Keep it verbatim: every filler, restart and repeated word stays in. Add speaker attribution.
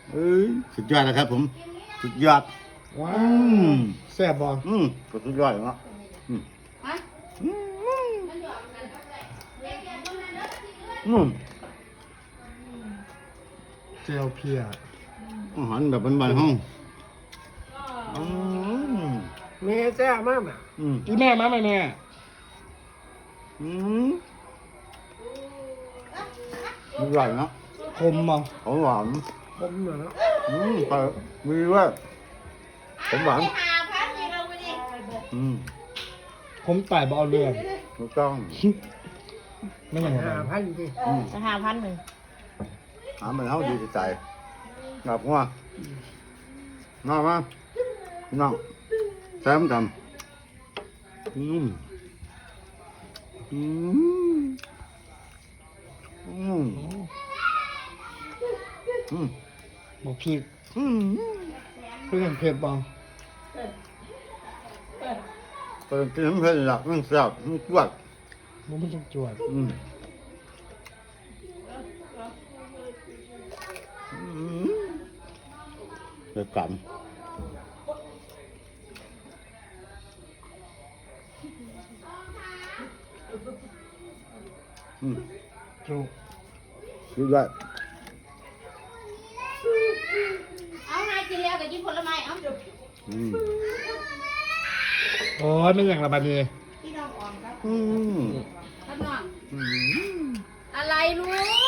Speaker 1: เอ้ยสุดยอดนะครับผมสุดยอด
Speaker 2: ว้า
Speaker 1: อื
Speaker 2: ว
Speaker 1: ม
Speaker 2: แซ่บบ่
Speaker 1: อืมก็สุดยอดเนาะอืมอืมอืม
Speaker 2: เจลเพีย
Speaker 1: อาหารแบบบ้านๆห้องอืม
Speaker 3: แม่แซ่บมากอ่ะ
Speaker 1: อืม
Speaker 2: อีแม่มาไหมแม่
Speaker 1: อืมอร่อยเนาะ
Speaker 2: คมบ่
Speaker 1: หอมหวาน
Speaker 3: ผมเหรอ
Speaker 1: อืมแต่มีด้วยหอมหวาน
Speaker 4: หาพันนี่เราไปดิ
Speaker 1: อืม
Speaker 2: ผมตายบ่เอาเรื่อง
Speaker 1: ถูกต้อง
Speaker 2: ไม่อย่างไร
Speaker 3: ห้าพันดิ
Speaker 1: อืม
Speaker 4: จะหาพันหนึ่ง
Speaker 1: หามันเอาดีใจกลับว่าน้ามาน้องแซมทำอืมอืมอืมอืม
Speaker 2: บอกพี่
Speaker 1: อืม
Speaker 2: เพื่อนเผ็ดบ่
Speaker 1: เปิดกินน้ำเพลินหลักมันแซ่บมันจวด
Speaker 2: มันไม่ต้องจวด
Speaker 1: อืมอืมเดือดกันอืม
Speaker 2: จุก
Speaker 1: ดูด้วย
Speaker 4: เอานายกินแล้วกับกินผลไม้เอา
Speaker 1: อืม
Speaker 2: โอ้ยไม่อย่างละบาดนี้
Speaker 4: พี่น้องอ่อนครับ
Speaker 1: อืม
Speaker 4: ครับน้อง
Speaker 1: อืม
Speaker 4: อะไรลูก